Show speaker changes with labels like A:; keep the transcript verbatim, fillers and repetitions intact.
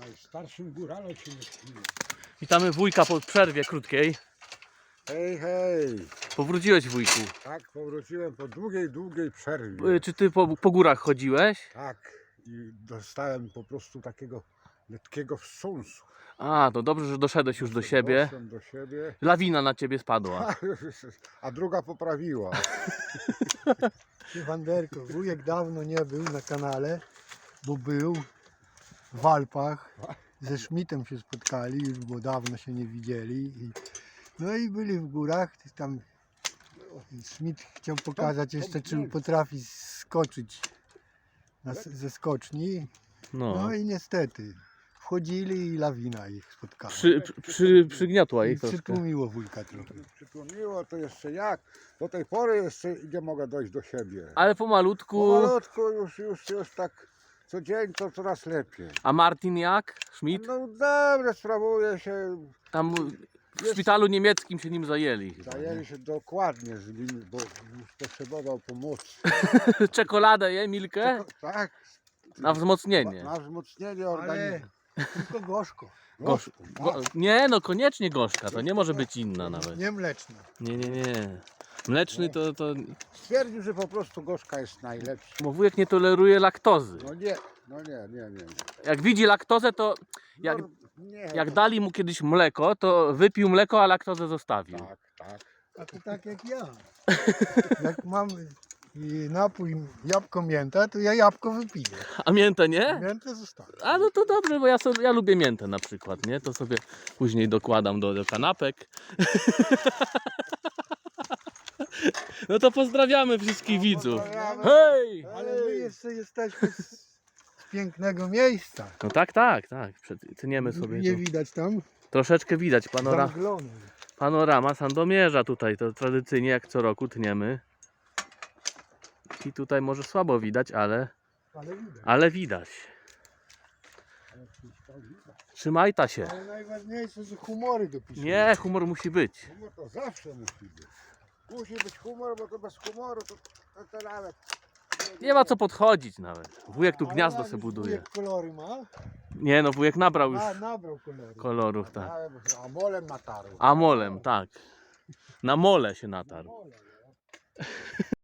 A: Najstarszym góralem się nie śmieje.
B: Witamy wujka po przerwie krótkiej.
A: Hej, hej.
B: Powróciłeś, wujku.
A: Tak, powróciłem po długiej, długiej przerwie.
B: Y, Czy ty po, po górach chodziłeś?
A: Tak, i dostałem po prostu takiego letkiego wstrząsu.
B: A, to dobrze, że doszedłeś już do siebie.
A: Doszłem do siebie,
B: Lawina na ciebie spadła.
A: a druga poprawiła.
C: Ty, Wanderko, wujek dawno nie był na kanale, bo był w Alpach. Ze Schmidtem się spotkali, już bo dawno się nie widzieli. I, no i byli w górach. Tam Schmidt chciał pokazać jeszcze, czy potrafi skoczyć na, ze skoczni.
B: No.
C: No i niestety wchodzili i lawina ich spotkała.
B: Przy, przy, przy, przygniotła
C: I
B: ich troszkę.
C: przytłumiło wujka trochę.
A: Przytłumiło to jeszcze jak. Do tej pory jeszcze nie mogę dojść do siebie.
B: Ale pomalutku.
A: Powolutku już, już, już tak co dzień to coraz lepiej.
B: A Martin jak? Schmidt?
A: No dobrze, sprawuje się.
B: Tam w szpitalu niemieckim się nim zajęli. chyba, nie?
A: Zajęli się dokładnie z nim, bo już potrzebował pomocy.
B: Czekoladę je, Milkę?
A: Tak,
B: Na wzmocnienie.
A: na wzmocnienie
C: Ale
A: organizmu.
C: tylko gorzko,
B: Gorzk, go, nie, no koniecznie gorzka, to nie może być inna nawet.
C: nie mleczna.
B: Nie, nie, nie. Mleczny to, to...
A: Stwierdził, że po prostu gorzka jest najlepsza.
B: Bo wujek nie toleruje laktozy.
A: No nie, no nie, nie, nie. nie.
B: Jak widzi laktozę, to jak,
A: No, nie,
B: jak
A: to-
B: dali mu kiedyś mleko, to wypił mleko, a laktozę zostawił.
A: Tak, tak.
C: A to tak jak ja. Jak mam i napój jabłko mięta, to ja jabłko wypiję.
B: A miętę nie?
C: Miętę zostawię.
B: A no to dobrze, bo ja, sobie, ja lubię miętę na przykład, nie? To sobie później dokładam do, do kanapek. No to pozdrawiamy wszystkich widzów.
A: pozdrawiamy.
B: Hej!
C: Ale my jeszcze jesteśmy z, z pięknego miejsca.
B: No tak, tak, tak. Przed- Tniemy sobie
C: Nie
B: tu.
C: widać tam
B: Troszeczkę widać panora,
C: zamglone.
B: panorama Sandomierza tutaj. To tradycyjnie jak co roku tniemy. I tutaj może słabo widać, ale,
C: Ale widać.
B: ale widać. Trzymaj ta się.
C: Ale najważniejsze, że humory dopiszemy.
B: Nie, humor musi być.
A: Humor to zawsze musi być. Musi być humor, bo to bez humoru to, to, to nawet...
B: Nie ma co podchodzić nawet. Wujek tu
C: Ale
B: gniazdo
C: jak
B: se
C: już
B: buduje.
C: wujek kolory ma?
B: Nie no, wujek nabrał już
C: A, nabrał kolory.
B: kolorów, tak.
A: A molem natarł.
B: A molem, tak. Na mole się natarł.